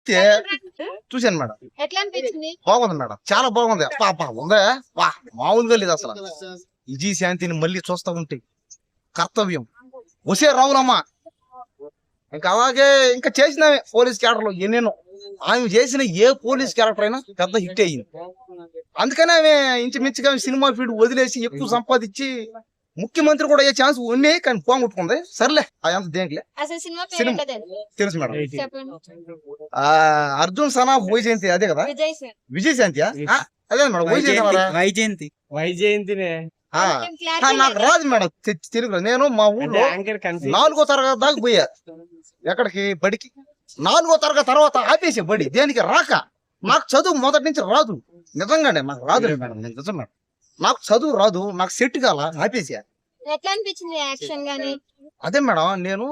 చూశాను మేడం. ఎట్లా అనిపించింది? బాగుంది మేడం, చాలా బాగుంది. ఉందా మామూలుగా లేదు అసలు. విజయ శాంతిని మళ్ళీ చూస్తా ఉంటే కర్తవ్యం వసే రావులమ్మ ఇంకా అలాగే ఇంకా చేసిన పోలీస్ క్యారెక్టర్లు ఎన్నెన్నో. ఆమె చేసిన ఏ పోలీస్ క్యారెక్టర్ అయినా పెద్ద హిట్ అయ్యింది. అందుకనే ఆమె ఇంచుమించుగా సినిమా ఫీల్డ్ వదిలేసి ఎక్కువ సంపాదించి ముఖ్యమంత్రి కూడా అయ్యే ఛాన్స్ ఉన్నాయి, కానీ పోగొట్టుకుంది. సర్లే అదంతా దేనికిలే. అసలు సినిమా పేరు సినిమా ఏంటో తెలుసా? తెలుసు మేడం. చెప్పండి. అర్జున్ సనా వైజయంతి అదే కదా? విజయ్ సార్. విజయ శాంతియా? అదే మేడం, వైజయంతి. వైజయంతినే నాకు రాదు మేడం తెలుగులో. నేను మా ఊళ్ళో 4వ తరగతి దాకా పోయా. ఎక్కడికి? బడికి. 4వ తరగతి తర్వాత ఆపేసే బడి. దేనికి? రాక. నాకు చదువు మొదటి నుంచి రాదు. నిజంగానే నాకు రాదు మేడం. నిజం మేడం, నాకు చదువు రాదు. నాకు సెట్ కాల, ఆపేసా. ఎట్లా అనిపించింది యాక్షన్ గానీ? అదే మేడం, నేను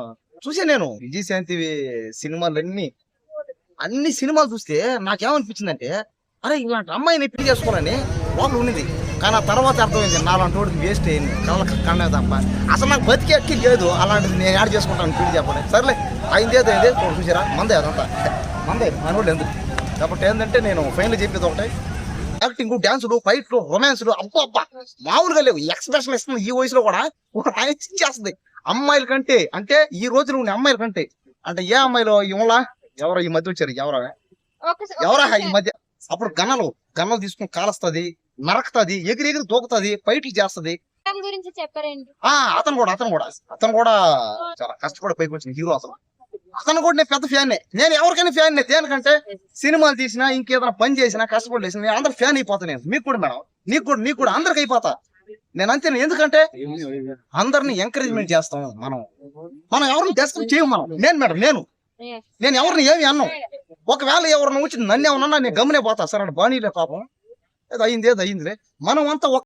విజయ శాంతి సినిమాలన్నీ అన్ని సినిమాలు చూస్తే నాకేమనిపించిందంటే, అరే ఇలాంటి అమ్మాయిని పెళ్లి చేసుకోవాలని వాళ్ళు ఉన్నది. కానీ ఆ తర్వాత అర్థమైంది నాలాంటి వాడికి వేస్ట్ అయింది, కళ్ళకి కన్నే తప్ప. అసలు నాకు బతికి ఎక్కి లేదు అలాంటిది. నేను యాడ్ చేసుకుంటాను పెళ్లి చెప్పండి. సర్లే అయిందేదో చూసారా, మందే అదంతా మందే మనోళ్ళు ఎందుకు కాబట్టి ఏంటంటే, నేను ఫైనల్ చెప్పేది ఒకటే, యాక్టింగ్, డాన్సులు, ఫైట్లు, రొమాన్స్లు అబ్బా మామూలుగా లేవు. ఎక్స్ప్రెషన్ ఇస్తుంది ఈ వయసులో కూడా చేస్తుంది అమ్మాయిల కంటే. అంటే ఈ రోజులు ఉన్న అమ్మాయిల కంటే. అంటే ఏ అమ్మాయిలో ఇవలా ఎవరో ఈ మధ్య వచ్చారు, ఎవరా ఈ మధ్య. అప్పుడు గన్నలు తీసుకుని కాలుస్తుంది, నరకుతుంది, ఎగిరి దూకుతుంది, ఫైట్లు చేస్తుంది. గురించి చెప్పారండి. అతను కూడా చాలా కష్టపడి పైకి వచ్చిన హీరో. అతను కూడా నేను పెద్ద ఫ్యాన్. నేను ఎవరికైనా ఫ్యాన్. దేనికంటే సినిమాలు తీసినా ఇంకేదైనా పని చేసినా కష్టపడి చేసినా నేను అందరు ఫ్యాన్ అయిపోతా. నేను మీకు కూడా మేడం, నీకు కూడా అందరికి అయిపోతా నేను అంతే. ఎందుకంటే అందరిని ఎంకరేజ్మెంట్ చేస్తాం మనం ఎవరిని డిస్కస్ చేయం మనం. నేను ఎవరిని ఏమి అన్నాం. ఒకవేళ ఎవరిని వచ్చి నన్ను ఏమన్నా నేను గమనే పోతా. సరే బానీలే పాపం, ఏదో అయిందిలే. మనం అంతా